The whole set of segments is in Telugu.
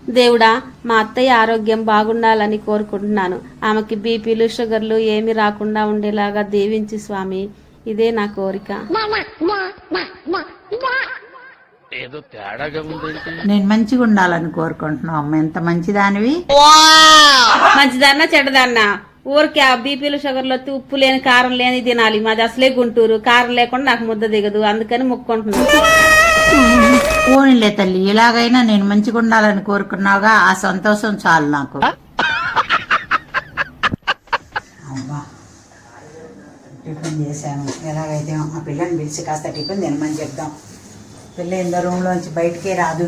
దేవుడా, మా అత్తయ్య ఆరోగ్యం బాగుండాలని కోరుకుంటున్నాను. ఆమెకి బీపీలు షుగర్లు ఏమి రాకుండా ఉండేలాగా దీవించు స్వామి. ఇదే నా కోరిక. ఏదో తేడాగా ఉందేంటి? నేను మంచిగా ఉండాలని కోరుకుంటున్నావు అమ్మ. ఎంత మంచిదానివి. మంచిదన్నా చెడ్డదన్నా ఊరికి ఆ బీపీలు షుగర్లు వచ్చి ఉప్పు లేని కారం లేని తినాలి. మాది అసలే గుంటూరు, కారం లేకుండా నాకు ముద్ద దిగదు. అందుకని మొక్కుంటున్నాను. పోనీలే తల్లి, ఇలాగైనా నేను మంచిగా ఉండాలని కోరుకున్నావుగా, ఆ సంతోషం చాలు నాకు. అమ్మా, టిఫిన్ చేశాను. ఎలాగైతే ఆ పిల్లని పిలిచి కాస్త టిఫిన్ తినమని చెప్దాం. పిల్ల ఇందో రూమ్లోంచి బయటికే రాదు.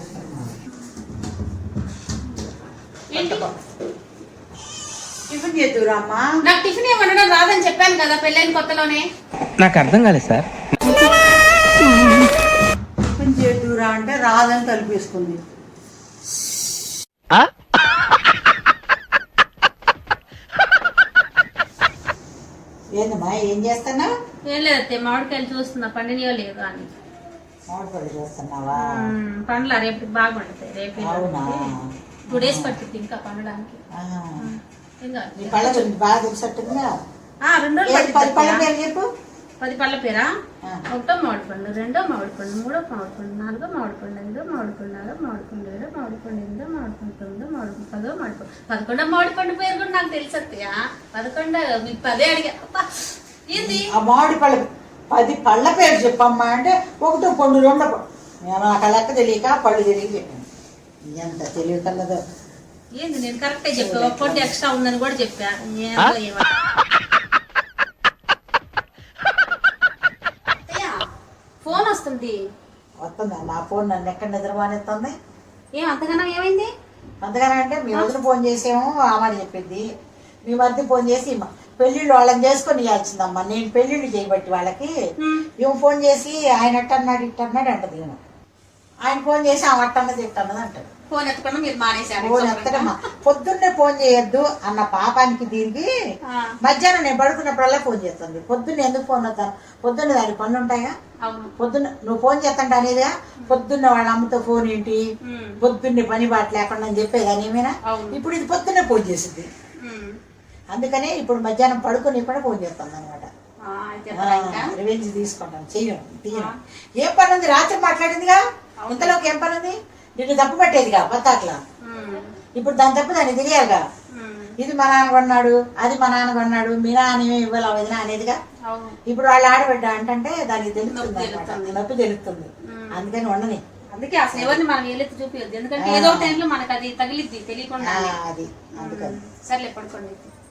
టిఫిన్ చేద్దురా అమ్మా. నాకు టిఫిన్ ఏమన్నా రాదని చెప్పాను కదా పెళ్ళైన కొత్తలోనే. నాకు అర్థం కాలేదు సార్. టిఫిన్ చేద్దురా అంటే రాదని తలిపేసుకుంది. ఏందమ్మా, ఏం చేస్తున్నా? ఏం లేదతే, మామిడికాయలు చూస్తున్నా పండినయో లేదు అని. మామిడిపళ్ళు చూస్తున్నావా? పండ్ల రేపు బాగా పండుతాయి. రేపు అవునా? 2 days పడుతుంది ఇంకా పండడానికి. నీ పళ్ళ గురించి బాగా తెలిసట్టుందా? 2 రోజులు 10 పళ్ళ పేరు చెప్పు. 10 పళ్ళ పేరా? 1వ మామిడి పండు, 2వ మామిడి పండు, 3వ మామిడి పండు, 4వ మామిడి పండు, 5వ మామిడి పండు, 6వ మామిడి పండు, 7వ మామిడి పండు, 8వ మామిడి పండు, 9వ మామిడి పండు, 10వ మామిడి పండు. 11వ మామిడి పండు పేరు కూడా నాకు తెలుసత్తయ్యా. 11 మీకు 10 అడిగా. ఏంది ఆ మామిడి పళ్ళ 10 పళ్ళ పేరు చెప్పమ్మా అంటే 1వ పండు, 2వ పండు. నాకు ఆ లెక్క తెలియక పళ్ళు తెలియక చెప్పాను. ఎంత తెలివి కలదో. ఏంది, నేను కరెక్టే చెప్పా. 1 పండు ఎక్స్ట్రా ఉందని కూడా చెప్పా. ఫోన్ వస్తుంది. వస్తుందా? నా ఫోన్ నన్ను ఎక్కడ నిద్రమానేస్తుంది? ఏం అంతగానో ఏమైంది? అంతగానే అంటే మీ వదిన ఫోన్ చేసేమో ఆమె చెప్పింది. మీ మధ్య ఫోన్ చేసి పెళ్లిళ్ళు వాళ్ళని చేసుకొని ఇవ్వాల్సిందమ్మా. నేను పెళ్లిళ్ళు చేయబట్టి వాళ్ళకి ఇవి ఫోన్ చేసి ఆయన అట్టన్నాడు ఇట్టన్నాడు అంటది. ఆయన ఫోన్ చేసి ఆమె అట్టన్నది ఇట్టన్నది అంటది. ఫోన్ ఎత్తకుండా మీరు మానేశారు. ఫోన్ ఎత్తడమ్మా. పొద్దున్నే ఫోన్ చేయొద్దు అన్న పాపానికి దీనికి మధ్యాహ్నం నేను పడుకున్నప్పుడల్లా ఫోన్ చేస్తుంది. పొద్దున్న ఎందుకు ఫోన్ వస్తాను? పొద్దున్న దానికి పనులు ఉంటాయా? పొద్దున్న నువ్వు ఫోన్ చేస్తాంట అనేదిగా. పొద్దున్న వాళ్ళ అమ్మతో ఫోన్ ఏంటి, పొద్దున్నే పని బాట లేకుండా అని చెప్పేదాని ఏమైనా. ఇప్పుడు ఇది పొద్దున్నే ఫోన్ చేసింది. అందుకనే ఇప్పుడు మధ్యాహ్నం పడుకుని కూడా ఫోన్ చేస్తుంది అనమాట. రివెంజ్ తీసుకుంటాను. తీయను. ఏం పని ఉంది? రాత్రి మాట్లాడిందిగా. ఇంతలోకి ఏం పని ఉంది? నిన్ను తప్పు పట్టేదిగా పత్తాట్లా. ఇప్పుడు దాని తప్పు దాన్ని తెలియాలిగా. ఇది మా నాన్న కొన్నాడు, అది మా నాన్న కొన్నాడు, మీ నాన్న ఇవ్వాలి వదిన అనేదిగా. ఇప్పుడు వాళ్ళు ఆడబిడ్డ అంటే దానికి తెలుస్తుంది అనమాట. నొప్పి తెలుస్తుంది. అందుకని ఉండని. అందుకే అసలు ఎవరిని మనం ఏలెత్తి చూపించద్దు. ఎందుకంటే ఏదో టైంలో మనకు అది తగిలిద్ది తెలియకుండా. అది అందుకని. సర్లే పడుకోండి.